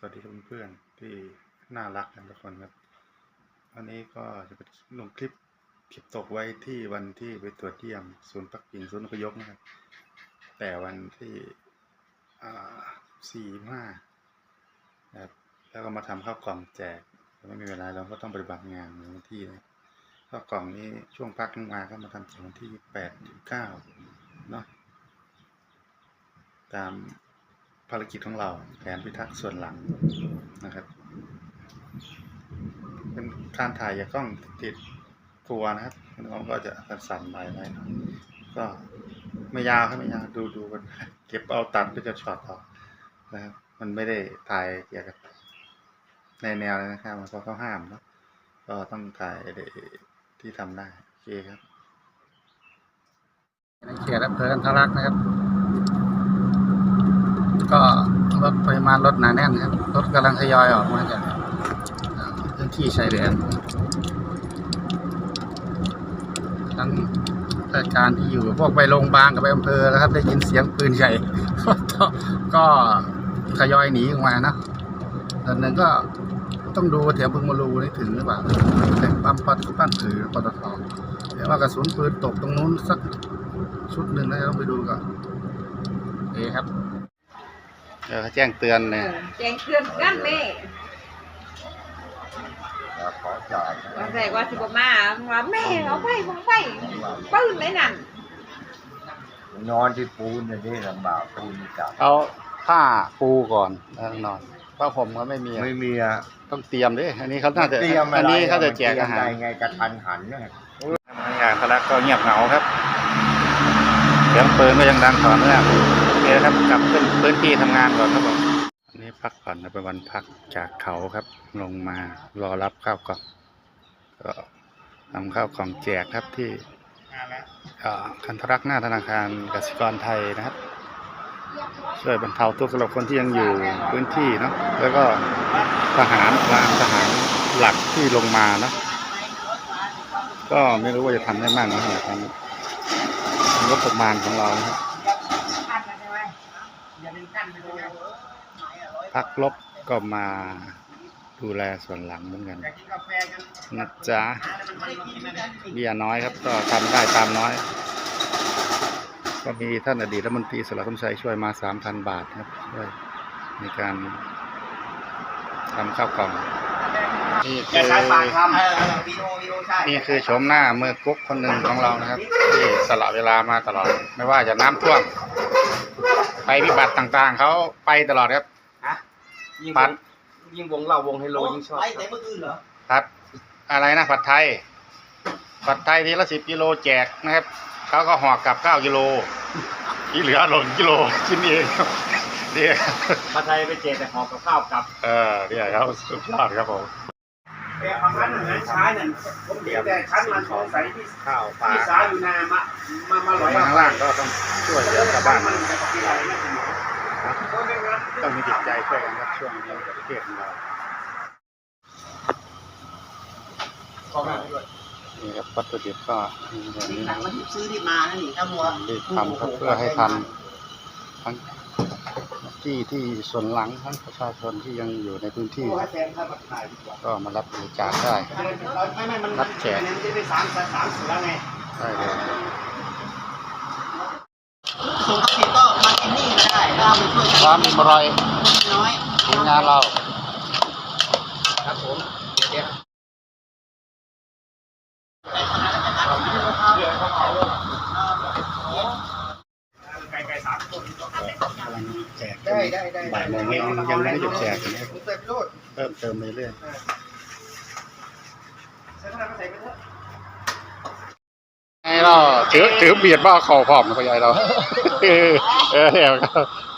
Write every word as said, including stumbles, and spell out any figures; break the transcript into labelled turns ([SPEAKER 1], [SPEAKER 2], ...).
[SPEAKER 1] วัสดีเพื่อนๆที่น่ารักกันทุกคนครับวันนี้ก็จะไปลงคลิปคลิปตกไว้ที่วันที่ไปตรวจเยี่ยมศูนย์พักพิงศูนย์อพยพนะครับแต่วันที่สี่ห้านะครับแล้วก็มาทำข้าวกล่องแจกไม่มีเวลาเราก็ต้องปฏิบัติงานในวันที่นะข้าวกล่องนี้ช่วงพักมาก็มาทำถึงวันที่แปดถึงเก้าเนาะตามภารกิจของเราแผนพิทักษ์ส่วนหลังนะครับเป็นการถ่ายจากกล้องติดตัวนะครับน้องก็จะสั่นๆไปไว้ก็ไม่ยาวครับไม่ยาวดูดูกันเก็บเอาตัดก็จะช็อตออกนะครับมันไม่ได้ถ่ายเกี่ยวกับในแนวเลยนะครับเพราะเขาห้ามเนาะก็ต้องถ่ายที่ทำได้โอเคครับในเขตอำเภอกันทรลักษณ์นะครับก็รถปริมาณรถหนาแน่นครับรถกำลังทยอยออกมาจากพื้นที่ชายแดนทั้งราชการที่อยู่พวกไปโรงพยาบาลกับไปอำเภอแล้วครับได้ยินเสียงปืนใหญ่ก็ทยอยหนีออกมานะส่วนหนึ่งก็ต้องดูแถวบึงมารูนี่ถึงหรือเปล่าแต่ปั๊มปัดปั้นถือปตทแต่ว่ากระสุนปืนตกตรงนู้นสักชุดหนึ่งนะต้องไปดูก่อนโอเคครับเออแจ้งเตือนเนี่ย
[SPEAKER 2] แจ้งเตือนกันแม่
[SPEAKER 3] ขอจ่าย
[SPEAKER 2] ว่าแต่ว่าสิบมาว่าแม่เอาไปผมไปปืนไหนนั่น
[SPEAKER 3] นอนที่ปูนอย่างนี้ลำบากปูนจับ
[SPEAKER 1] เอาผ้าปูก่อนแล้วนอนผ้าผมก็ไม่มี
[SPEAKER 3] ไม่มีอ่ะ
[SPEAKER 1] ต้องเตรียมดิอันนี้เขาน่าจะอันนี้เขาจะแจกอาหาร
[SPEAKER 3] ไงกระทันหันเนี่ย
[SPEAKER 1] งานทะลักก็เงียบเหงาครับเสียงปืนก็ยังดังต่อเนื่องโอเคครับกลับขึ้นพื้นที่ทำงานก่อนครับผมอันนี้พักผ่อนเป็นวันพักจากเขาครับลงมารอรับข้าวกล่องก็ทำข้าวกล่องแจกครับที่กันทรลักษณ์หน้าธนาคารกสิกรไทยนะครับช่วยบรรเทาทุกข์สำหรับคนที่ยังอยู่พื้นที่เนาะแล้วก็ทหารพลานทหารหลักที่ลงมาเนาะก็ไม่รู้ว่าจะทำได้มากน้อยขนาดไหนงบประมาณของเราครับพักลบก็มาดูแลส่วนหลังเหมือนกันนะจ๊ะเบี้ยน้อยครับก็ทำได้ตามน้อยก็มีท่านอดีตรัฐมนตรีสระสมชัยช่วยมา สามพัน บาทครับช่วยในการทำข้าวกล่องนี่คือนี่คือโฉมหน้ามือกุ๊กคนหนึ่งของเรานะครับที่สละเวลามาตลอดไม่ว่าจะน้ำท่วมไปพิบัติต่างๆเขาไปตลอดครับผัด
[SPEAKER 3] ยิงวงเราวงไฮโลยิงชอบไปแต่เมื่อคืนเหรอ
[SPEAKER 1] ผัดอะไรนะผัดไทยผัดไทยทีละสิบกิโลแจกนะครับเขาก็ห่อกลับเก้ากิโลที่เหลือหล่นกิโลกินเองเดี๋ยว
[SPEAKER 3] ผัดไทยไปแจกแต่ห่อกับข้าวกลับ
[SPEAKER 1] เออเดี๋ยวเขาสุดยอดครับผม
[SPEAKER 4] แต่เอาชั้นหนึ่งชั้นหนึ่งผมเดี๋ยวแต่ชั้นมันสงสัยที่
[SPEAKER 1] ข้าวปลา
[SPEAKER 4] ที่สาอยู่นามามามาลอย
[SPEAKER 1] ข้างล่างก็ต้องช่วยเหลือชาวบ้านมันต้องมีจิตใจช่วยกันครับช่วงนี้ประเทศของเรานี่ครับวัตถุดิบก็แบบนี้นะ
[SPEAKER 4] ซื้อที่มานะนี่ครับวัว
[SPEAKER 1] รีบทำครับเพื่อให้ทันทั้งที่ที่ส่วนหลังทั้งประชาชนที่ยังอยู่ในพื้นที่ก็มารับบริจาคได้รับแจกได้เลย
[SPEAKER 4] ส่งกระถิ่นก็มากินนี่ก็ได้เราไปช่วยกัน
[SPEAKER 1] ความอร่อย
[SPEAKER 4] น้อย
[SPEAKER 1] ทีมงานเรา
[SPEAKER 4] ครับผมเดี๋ยวไก่ไก่สามคน
[SPEAKER 1] กำลังแจกบ่ายโมงยังยังไม่หยุดแจกนะครับเพิ่มเติมเรื่อยไงเราถือถือเบียดบ้าเข่าผอมนะพ่อใหญ่เราเออเออ